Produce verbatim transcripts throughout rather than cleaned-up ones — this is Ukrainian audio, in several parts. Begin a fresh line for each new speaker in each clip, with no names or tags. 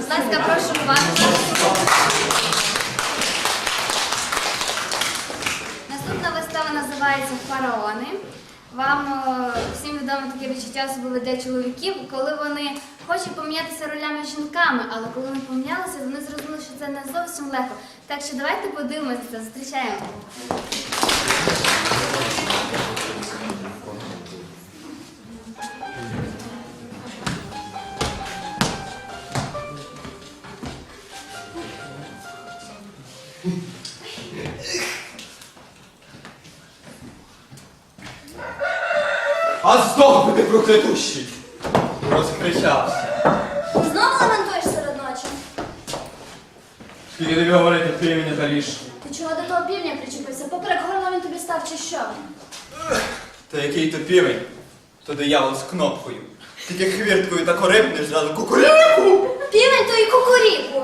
Будь ласка, прошу уважно. Наступна вистава називається «Фараони». Вам е, всім відомо таке відчуття особливо для чоловіків, коли вони хочуть помінятися ролями з жінками, але коли вони помінялися, вони зрозуміли, що це не зовсім легко. Так що давайте подивимося це, зустрічаємо.
А здох би ти проклятущий! Розкричався.
Знову лементуєш серед ночі?
Скільки тобі говорити, півня та ліж.
Ти чого до того півня причепився? Поперек горла він тобі став чи що?
Та який то півень, то диявол з кнопкою. Тільки хвірткою та корибнеш, зразу кукуріку!
Півень то і кукуріку.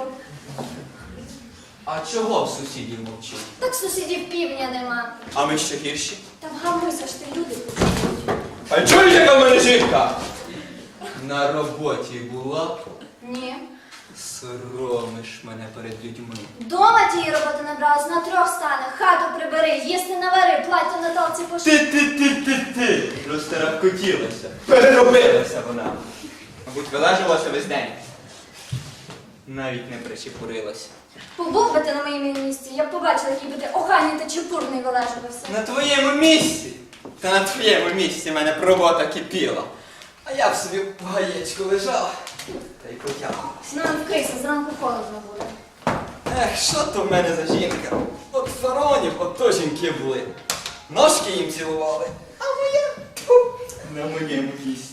А чого в сусідів мовчить?
Так сусідів півня нема.
А ми ще гірші?
Та вгамуйся ж ти, люди.
А чуєш, яка в мене жінка? На роботі була,
Ні.
соромиш мене перед людьми.
Дома тієї роботи набралась, на трьох стане. Хату прибери, їсти навари, плаття на талці поши.
Ти-ти-ти-ти-ти! Розтерахкотілася. Переробилася вона. Мабуть, вилежувалася весь день. Навіть не причепурилася.
Побув би ти на моєму місці, я б побачила, який би ти охайний та чепурний вилежувався.
На твоєму місці? Та на твоєму місці в мене б робота кипіла. А я б собі в гаєчку лежав та й потягувався.
Ну, вкрийся, зранку холодно буде.
Ех, що то в мене за жінка? От фараонів, от то жінки були. Ножки їм цілували, а моя тьфу, на моєму місці.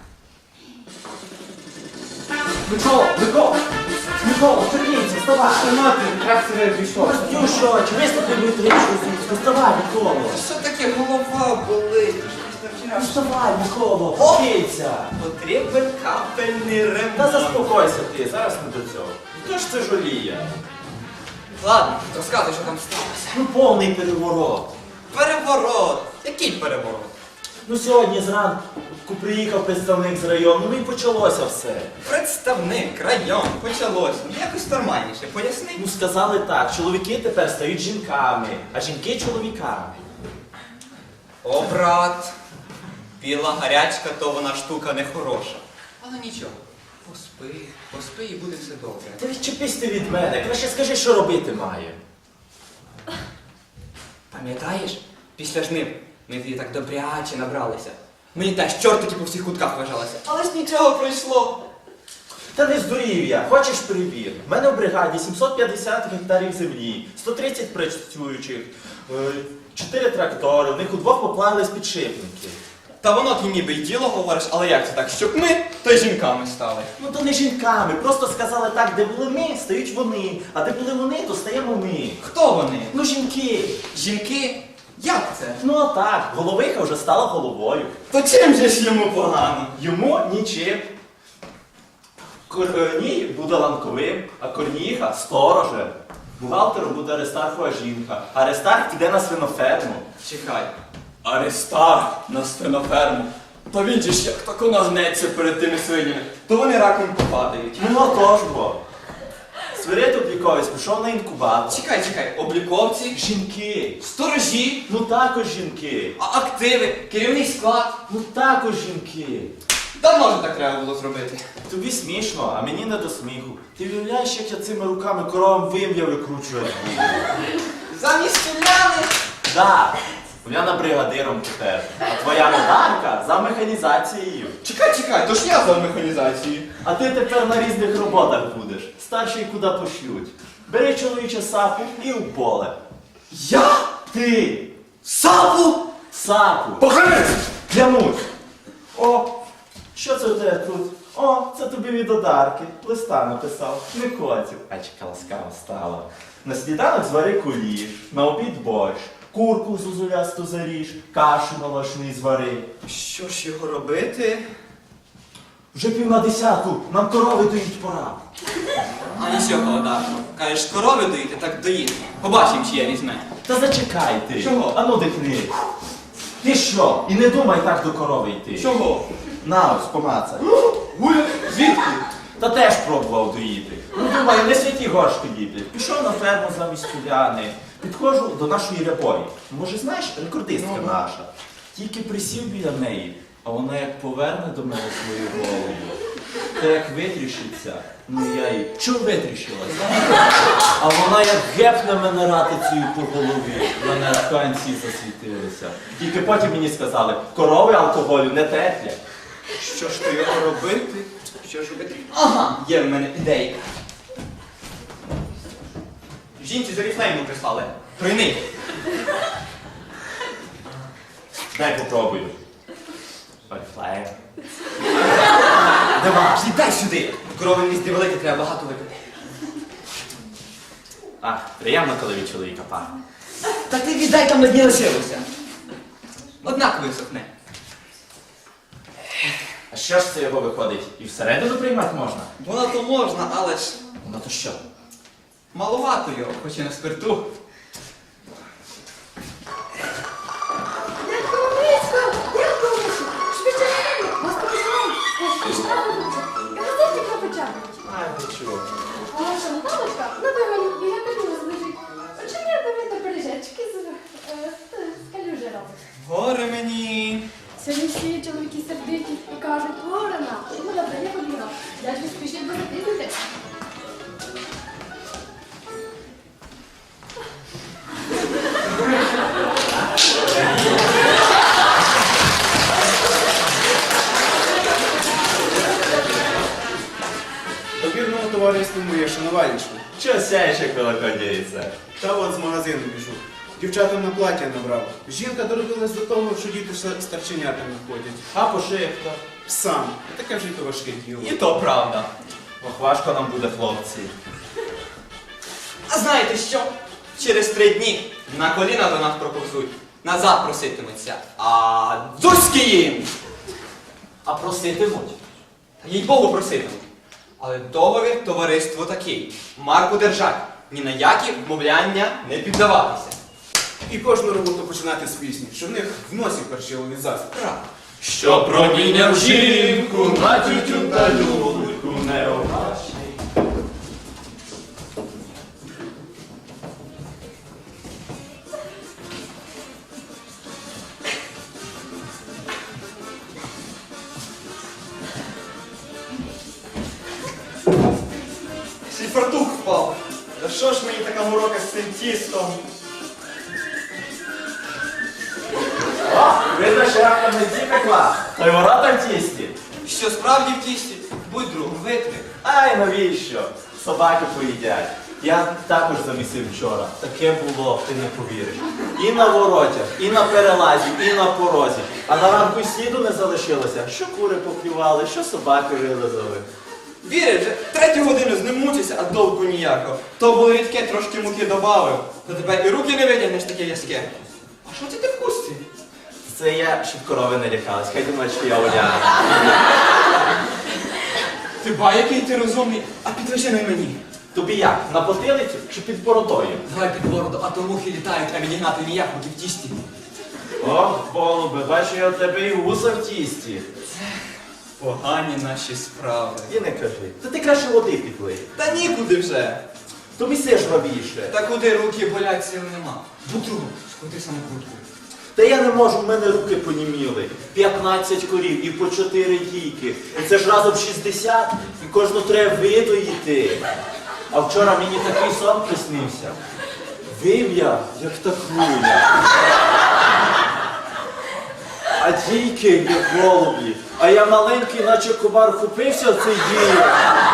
Микола, Микола! Микола, Чернівці, вставай!
Мати, як це пішов?
Ну що, чи виступи будуть річку звідси? Вставай, Микола!
Що таке голова болить?
Ну вставай, Микола, вчиться!
Потрібен капельний ремонт.
Та заспокойся ти, зараз не до цього. Хто ж це жаліє?
Ладно, розказуй, що там сталося.
Ну повний переворот.
Переворот. Який переворот?
Ну сьогодні зранку приїхав представник з району, ну і почалося все.
Представник, район, почалось. Ну якось нормальніше, поясни.
Ну сказали так, чоловіки тепер стають жінками, а жінки чоловіками.
О, брат, біла гарячка, то вона штука не хороша. Але нічого, поспи, поспи і буде все добре.
Та відчепись ти від мене, краще скажи, що робити має.
Пам'ятаєш, після жнив ми тоді так добряче набралися. Мені теж чортики по всіх кутках вважалося. Але ж нічого пройшло.
Та не здурів я, хочеш перевір? У мене в бригаді сімсот п'ятдесят гектарів землі, сто тридцять працюючих, чотири трактори, в них удвох поплавились підшипники.
Та воно ти ніби й діло говориш, але як це так, щоб ми, то й жінками стали.
Ну то не жінками, просто сказали так, де були ми, стають вони, а де були вони, то стаємо ми.
Хто вони?
Ну жінки.
Жінки? Як це?
Ну а так, головиха вже стала головою.
То чим же ж йому погано?
Йому нічим. Корній буде ланковим, а корніха сторожем. Бухгалтером буде Аристархова жінка, а Аристарх піде на свиноферму.
Чекай. Аристарх на свиноферму. Та він же ж як тако нагнеться перед тими свинями, то вони раком попадають.
Ну отож бо. Свирид обліковець пішов на інкубатор.
Чекай, чекай, обліковці,
Жінки.
сторожі,
Ну також жінки.
а активи, керівний склад.
Ну також жінки.
Давно ж так треба було зробити.
Тобі смішно, а мені не до сміху. Ти уявляєш, як я цими руками коровам вим'я викручую?
Замість селяни.
Да, Уляна бригадиром тепер, а твоя модарка за механізацією.
Чекай, чекай, то ж я за механізацію.
А ти тепер на різних роботах будеш. Старший куди пошлють. Бери чоловіче сапу і в поле.
Я?
Ти!
Сапу?
Сапу!
Похились!
Клянусь! О, що це у тебе тут? О, це тобі від одарки. Листа написав. Не котів. Ачка ласкава стала. На сніданок звари куліш, на обід борщ, курку зозулясту заріж, кашу молочний звари.
Що ж його робити?
Вже пів на десяту, нам корови доїть пора.
А нічого, Одарко. Кажеш, корови доїти, так доїти. Побачимо, чи я візьме.
Та зачекай ти.
Чого?
Ану дихни. Ти що? І не думай так до корови йти.
Чого?
На ось, помацай.
Гуля, звідки?
Та теж пробував доїти. Ну, думаю, не святі горшки ліплять. Пішов на ферму замість Уляни. Підходжу до нашої рябої. Може, знаєш, рекордистка
Ну, ну.
наша. Тільки присів біля неї, а вона як поверне до мене свою голову. Та як витріщиться, ну я їй чого витріщилась? А вона як гепне мене ратицею по голові. В мене аж канці засвітилися. Тільки потім мені сказали, корови алкоголю не терплять.
Що ж то його робити? Що ж робити? Ага, є в мене ідейка. Жінці з Оріфлейму прислали. Тройний.
Дай попробую. Оріфлейм.
Давай, дай сюди. Корови місті велике, треба багато випити.
Ах, приємно, коли від чоловіка пахне.
Та ти віддай, там на дні лишилося. Однак висохне.
А що ж це його виходить? І всередину приймати можна?
Воно то можна, але ж
Ну то що?
маловато його, хоч і на спирту.
Ай, ти чого? Горе мені.
Сьогодні всі чоловіки сердиті і кажуть, Ворона, ну добре, я побігла. Дядько спішіть, бо запізнитесь.
Довірному товариству моє шанувальничку.
Чого сяєш, як великодіється?
Та от з магазину біжу. Дівчатам на плаття набрав. Жінка доробилась до того, що діти з старченятами ходять.
А пошивка?
Сам. Таке вже й то важке діло.
І то правда.
Ох, важко нам буде, хлопці.
А знаєте що? Через три дні на коліна до нас проповзуть. Назад проситимуться. А дзузьки їм!
А проситимуть?
Та їй Богу проситимуть. Але договір товариство такий. Марку держать. Ні на які вмовляння не піддаватися.
І кожну роботу починати з пісні, що в них в носі першило від засіб.
Правда.
Що проміняв жінку на тютю та люльку необачний.
Ще й фартух впав. Та що ж мені така морока з цим тістом?
О, видно, що раптом не ті пекла. Та й ворота в тісті.
Що справді в тісті? Будь другом, витри.
Ай, навіщо? Собаки поїдять. Я також замісив вчора. Таке було, ти не повіриш. І на воротях, і на перелазі, і на порозі. А на ранку й сліду не залишилося. Що кури поклювали, що собаки вилизали.
Віриш, вже третю годину з ним мучився, а довго ніякого. То було рідке, трошки муки добавив. То тепер і руки не витягнеш таке в'язке. А що це ти в хустці?
Це я, щоб корови не лякались. Хай думають, що я Уляна.
Ти ба, який ти розумний, а підвежи на мені.
Тобі як? На потилицю чи під бородою?
Давай під бороду, а то мухи літають, а відігнати ніяк, муки в тісті.
О, голубе, бачу я в тебе і вуса в тісті.
Погані наші справи.
І не кажи. Та ти краще води підлий.
Та нікуди вже.
Тобі все ж робіше.
Та куди руки болять, сил нема. Будь другом, сходи самокрутку.
Та я не можу, в мене руки поніміли. п'ятнадцять корів і по чотири дійки. І це ж разом шістдесят, і кожну треба видоїти. А вчора мені такий сон приснився. Вив я, як та хвиля. А дійки, як голублі. А я маленький, наче комар, купився в цей дій.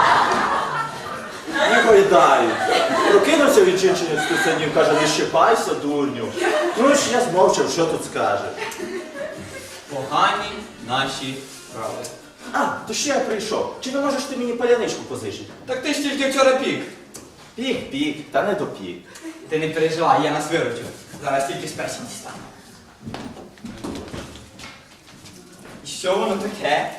І гойдаю. Прокинувся від жінчини з писанів, каже, не щипайся, дурню. Ну ж я змовчав, що тут скаже.
Погані наші справи.
А, то ще я прийшов. Чи не можеш ти мені паляничку позичити?
Так ти ж тільки вчора пік.
Пік, пік, та не допік.
Ти не переживай, я нас виручу. Зараз тільки з песні дістану. І що воно таке?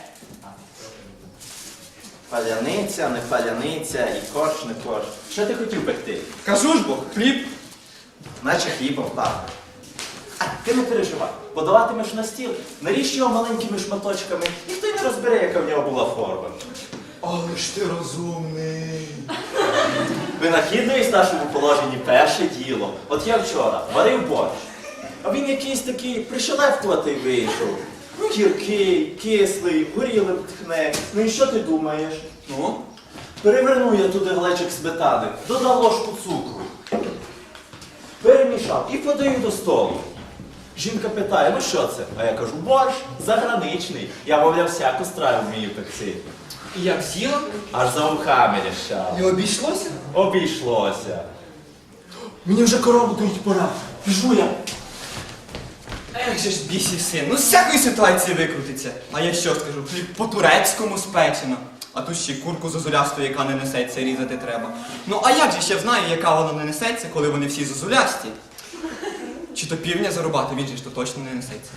Паляниця, не паляниця, і корж, не корж. Що ти хотів пекти?
Кажу ж бо, хліб.
Наче хлібом пахне. А, ти не переживай. Подаватимеш на стіл, наріж його маленькими шматочками, ніхто й не розбере, яка в нього була форма.
О, Але ж ти розумний.
Винахідливість в нашому положенні перше діло. От я вчора варив борщ, а він якийсь такий пришелепкуватий вийшов. Гіркий, кислий, горілим тхне. Ну і що ти думаєш?
Ну?
Перевернув я туди глечик сметани, додав ложку цукру. Перемішав і подаю до столу. Жінка питає, ну що це? А я кажу, борщ заграничний. Я, мовляв, всяку страву вмію пекти.
І як з'їла?
Аж за вухами рішав.
І обійшлося?
Обійшлося.
Мені вже корову доїть пора. Піжу я. Ех же ж бісів син, ну з всякої ситуації викрутиться. А я що скажу, хліб по-турецькому спечено. А тут ще й курку зозулясту, яка не несеться, різати треба. Ну а як же ще знаю, яка вона не несеться, коли вони всі зозулясті? Чи то півня зарубати, він же ж то точно не несеться.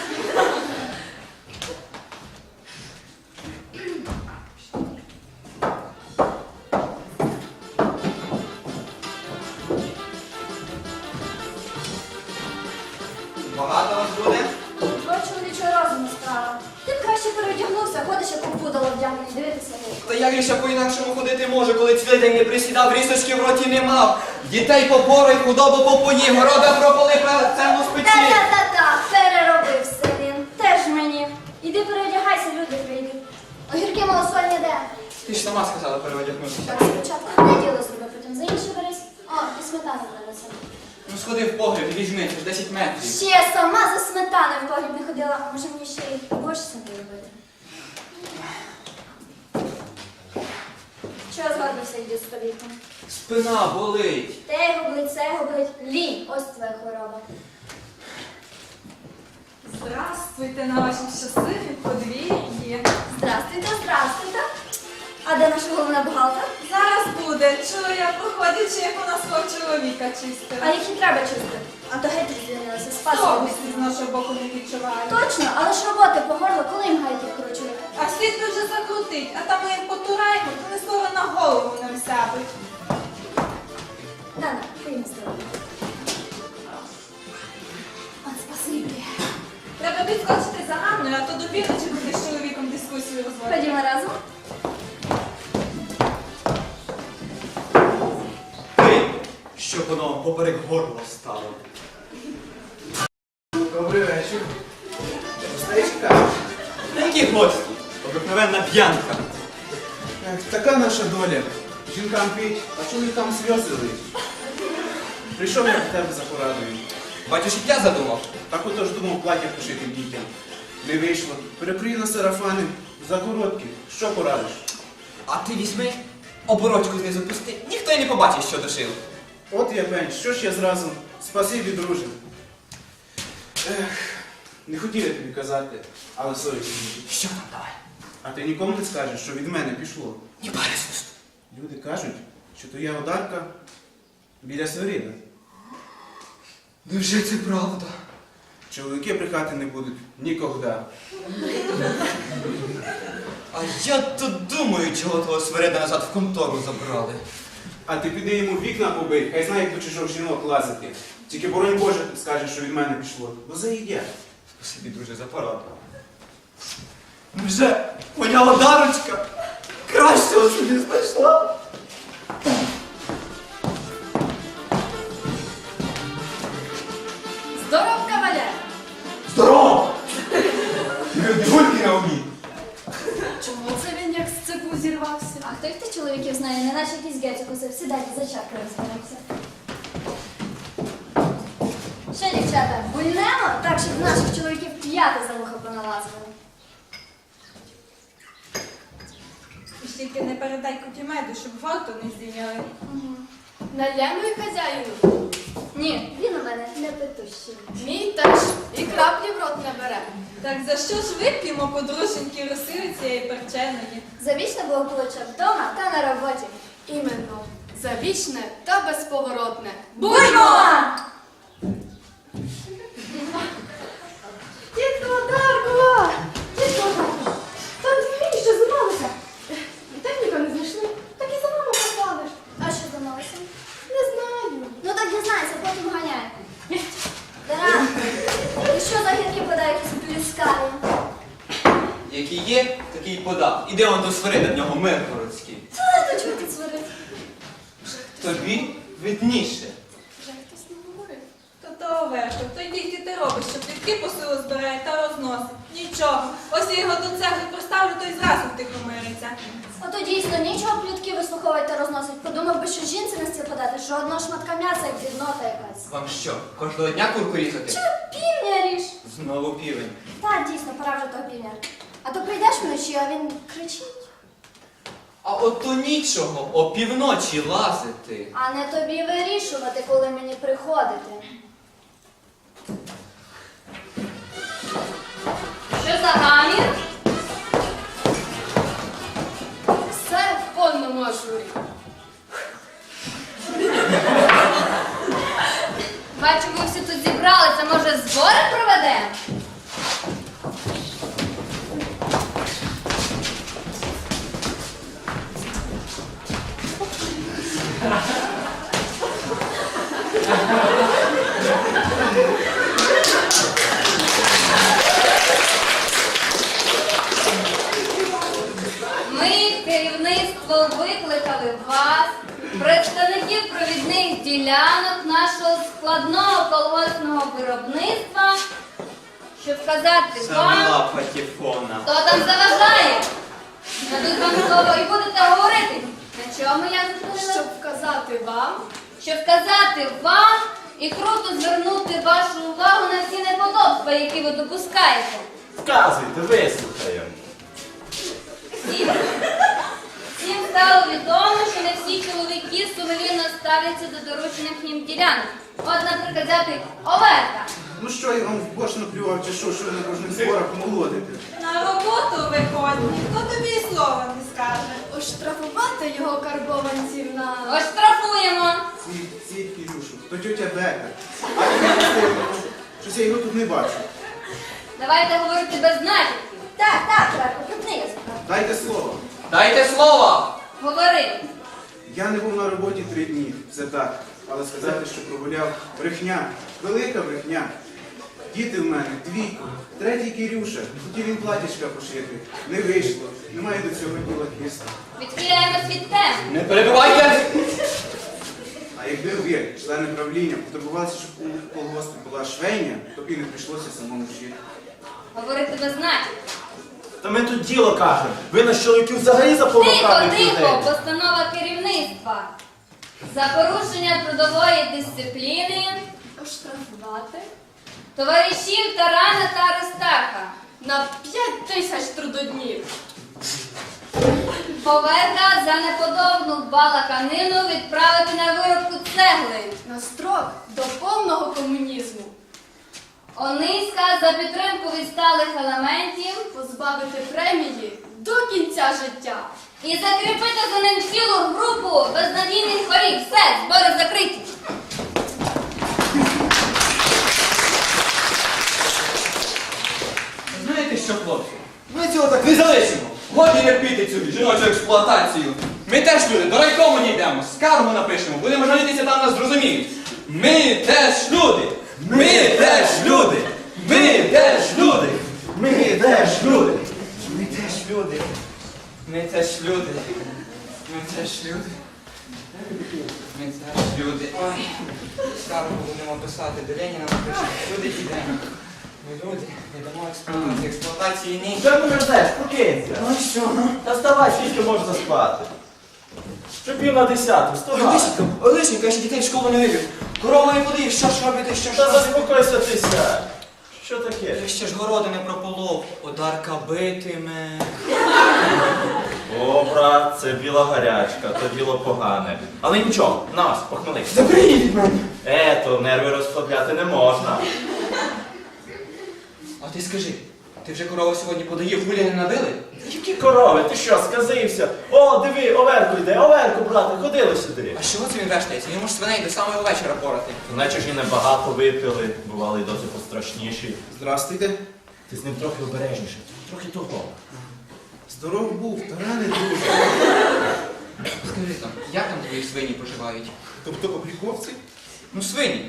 Багато вас буде?
Твоя чоловічого розуму справа. Ти б краще переодягнувся, ходиш як опудало вдягнений, дивитися вовк.
Та як же ще по-інакшому ходити може, коли цілий день не присідав, рісочки в роті не мав. Дітей попорой, худобу попоїв, города прополи, цену спечи.
Та-та-та-та, переробився він. Теж мені. Іди переодягайся, люди прийдуть. Огірки малосольні де?
Ти ж сама сказала переодягнутися.
Так, спочатку одне діло зроби, потім за інше берись. О, і сметану принесемо.
Ну сходи в погріб і візьми, це ж десять метрів.
Ще сама за сметаною в погріб не ходила. Може мені ще й борщ собі робити? Чого згодився йди з століком?
Спина болить.
Те гублить, це гублить. Лінь, ось твоя хвороба.
Здравствуйте на вашім щасливім подвір'ї.
Здрастуйте, здрастуйте. А де наша головна бухгалтер?
Зараз буде. Чую, я походячи, як у нас хлоп чоловіка
А
чистила.
їх і треба чистити. А то геть звільнилася, спасибі.
Совісті з нашого боку не відчуваю.
Точно, але ж роботи по горло, коли їм гайки вкручують?
А світ ми вже закрутить, а там ми як потураємо, то не слово на голову нам сябить.
Дана, поїм здоров'я. От спасибі.
Треба відскочити за Ганною, а то до півночі буде з чоловіком дискусію розводити.
Ходімо разом.
Ти, щоб воно поперек горла стало.
Добрий вечір. Гостечка.
Та які гості? Обикновенна п'янка.
Ех, така наша доля. Жінкам піть, а чоловікам сльози лить. Прийшов я до тебе за порадою.
Бачиш, як я задумав.
Так отож думав плаття пошити дітям. Не вийшло. Перекрию на сарафани, за короткі. Що порадиш?
А ти візьми, оборочку знизу пусти, ніхто й не побачить, що дошив.
От я пень, що ж я зразу? Спасибі, друже. Ех, не хотів я тобі казати, але совість мені.
Що там давай?
А ти нікому не скажеш, що від мене пішло.
Ні пари з уст.
Люди кажуть, що твоя одарка біля Свирида.
Невже це правда?
Чоловіки брехати не будуть ніколи.
А я тут думаю, чого того Свирида назад в контору забрали.
А ти піди йому вікна побий, хай знає, як до чужих жінок лазити. Тільки боронь Боже скаже, що від мене пішло. Бо заїдять.
Спасибі, друже, за пораду. Невже моя одарочка кращого собі знайшла?
Здоров, кавалер!
Здорово! Гульки на умі.
Чому це він як з цепу зірвався?
А хто їх ти чоловіків знає, не наче якийсь геть укусив. Сідайте, за чаркою розберемося. Що, дівчата, гульнемо? Так, щоб наших чоловіків п'яти за вуха поналазили.
І ж тільки не передай кутімеду, щоб варту не здійняли.
Налємо й хазяїну.
Ні, він у мене не петущий.
Мій теж і краплі в рот не бере.
Так за що ж вип'ємо подруженьки росили цієї перченої?
Завічне благополуччя вдома та на роботі.
Іменно. Завічне та безповоротне.
Буйно!
Тітко Одарко! Тітко Одарко! Там дві що зламалися. Техніка не знайшли. Так і за маму послали.
А що зламалося?
Не знаю.
Ну так дізнайся, потім ганяй. Таран, і що за гірки подають якісь блюскаві?
Які є, такі такий подав. Іди он до свирида, в нього Миргородський.
Та до чого тут сварити?
Тобі видніше.
Вже хтось не говорив.
То то Оверко, то й тільки ти робиш, що плітки по селу збирає та розносить. Нічого. Ось я його до цегли поставлю, то й зразу втихомириться.
Ото дійсно нічого плітки вислуховувати та розносить. Подумав би, що жінці на стіл подати, що одного шматка м'яса, як дрібнота якась.
Вам що, кожного дня курку різати?
Чи півня ріж?
Знову півень.
Та, дійсно, пора вже того півня. А то прийдеш вночі, а він кричить.
А от то нічого, опівночі лазити.
А не тобі вирішувати, коли мені приходити.
Що за гамір? Все в повному ажурі. Бачу, ви всі тут зібралися, може збори проведемо? Ми, керівництво, викликали вас, представників провідних ділянок нашого складного колгоспного виробництва, щоб сказати вам,
Самила патефона.
хто там заважає. Дадуть вам слово і будете говорити. На чому я зупинила? Щоб вказати вам. Щоб вказати вам і круто звернути вашу увагу на всі неподобства, які ви допускаєте.
Вказуйте, вислухаємо.
Всім. Всім стало відомо, що не всі чоловіки сумлінно ставляться до доручених їм ділянок. От, наприклад, взяти Оверка.
Ну що, я вам в борщ наплював, чи що, що ви на кожних зборах молодите?
На роботу виходь, ніхто тобі і слова не скаже.
Оштрафувати його карбованців на...
Оштрафуємо.
Ці, ці Кирюшу, то тьотя Бека. А я щось я його тут не бачу.
Давайте говорити без натяків.
Так, так, Верко, припни язика.
Дайте слово.
Дайте слово!
Говори.
Я не був на роботі три дні, це так. Але сказати, що прогуляв брехня, велика брехня. Діти в мене, двійко, третій Кирюша, хотів він платічка пошити. Не вийшло, немає до цього діла хисту.
Відхиляємось від теми.
Не перебивайте!
А якби ви, члени правління, потурбувалися, щоб у колгоспі була швейня, то б і не прийшлося самому шити.
Говорити без натяків.
Та ми тут діло кажемо. Ви на чоловіків взагалі
Тихо,
заповнокавних
тихо,
людей.
постанова керівництва. За порушення трудової дисципліни
Оштрафувати
товаришів Тарана та Аристарха.
на п'ять тисяч трудоднів.
Поверка за неподобну балаканину відправити на виробку цегли.
На строк до повного комунізму.
Ониська за підтримку відсталих елементів
Позбавити премії до кінця життя.
і закріпити за ним цілу групу безнадійних хворів. Все, збори закриті.
Знаєте що, хлопці? Ми цього так не залишимо. Годі терпіти цю жіночу експлуатацію. Ми теж люди, до райкому не йдемо, скаргу напишемо, будемо жалітися, там нас зрозуміють. Ми теж люди! Ми теж люди! Ми теж люди!
Ми теж люди.
Ми теж люди! Ми теж люди! Ми теж люди! Ми теж люди! Ой, скаргу будемо писати, до Леніна напишемо. Люди йдемо. Ми люди, не дамо експлуатації, експлуатації ні.
Що ти ждеш? Прокинься.
Ну що, ну?
Та вставай, скільки можна спати. Що пів на десяту, вставай.
Олесенька, Олесенька, я ще дітей в школу не вивів. Корова не подив, що ж робити, що ж
Та
робити?
заспокойся ти сядь. Що таке?
Я ще ж городи не прополов, одарка битиме.
О, брат, це біла гарячка, то діло погане. Але нічого, на вас, похмелись.
Заберіть від мене!
Е, то нерви розслабляти не можна.
А ти скажи, ти вже корову сьогодні подаїв, гулі не набили?
Які корови, ти що, сказився? О, диви, Оверку йде, Оверку, брате, ходили сюди.
А чого це він вештається? Йому ж свиней до самого вечора порати.
Наче ж і небагато випили, бували й досить пострашніші.
Здрастуйте.
Ти з ним трохи обережніше, трохи того.
Здоров був, Таране, друже.
Скажи там, як там твої свині поживають?
Тобто обліковці?
Ну свині.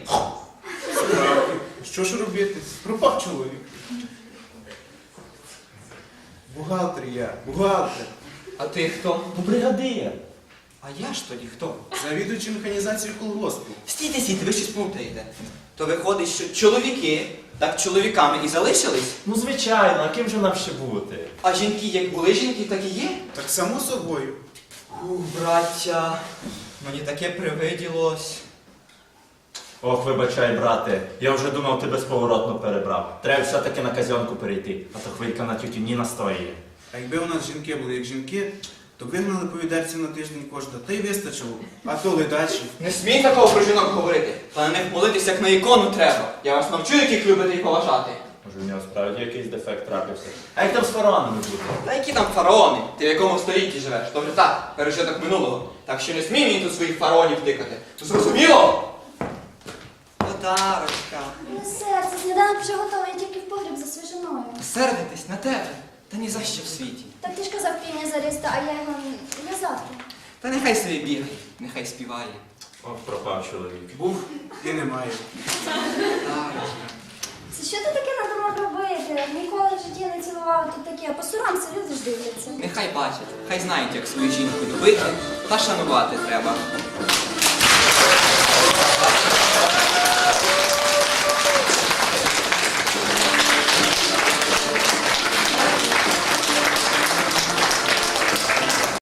Справді. Що ж робити? Пропав чоловік. Бухгалтер я, бухгалтер.
А ти хто?
Ну, бригадир.
А я ж тоді хто?
Завідуючий механізацією колгоспу.
Стійте, стійте, ви щось плутаєте. То виходить, що чоловіки так чоловіками і залишились,
Ну, звичайно, а ким же нам ще бути?
а жінки як були жінки, так і є.
Так само собою.
Ух, браття, мені таке привиділось.
Ох, вибачай, брате, я вже думав, ти безповоротно перебрав. Треба все-таки на казьонку перейти, а то хвилька на тютю Ніна стоїть.
А якби у нас жінки були як жінки, то вигнали по відерці на тиждень кожна, та й вистачило. А то ледачі.
Не смій такого про жінок говорити, та на них молитись, як на ікону треба. Я вас навчу, яких любити і поважати.
Може, в нього справді якийсь дефект трапився. А як там з фараонами буде?
Та які там фараони? Ти в якому столітті живеш? То вже так, пережиток минулого. Так що не смій мені тут своїх фараонів тикати. То зрозуміло? Подарочка.
Не серце, сніданок вже готовий, я тільки в погріб за свіжиною.
Сердитись на тебе, та ні за що в світі.
Так ти ж казав півня зарізти, а я його я завтра.
Та нехай собі бігає, нехай співає.
Ох, пропав чоловік.
Був і немає.
Подарочка.
Це що ти таке надумав робити? Ніколи в житті не цілував тут таке, посурамся, люди ж дивляться.
Нехай бачать, хай знають, як свою жінку любити та шанувати треба.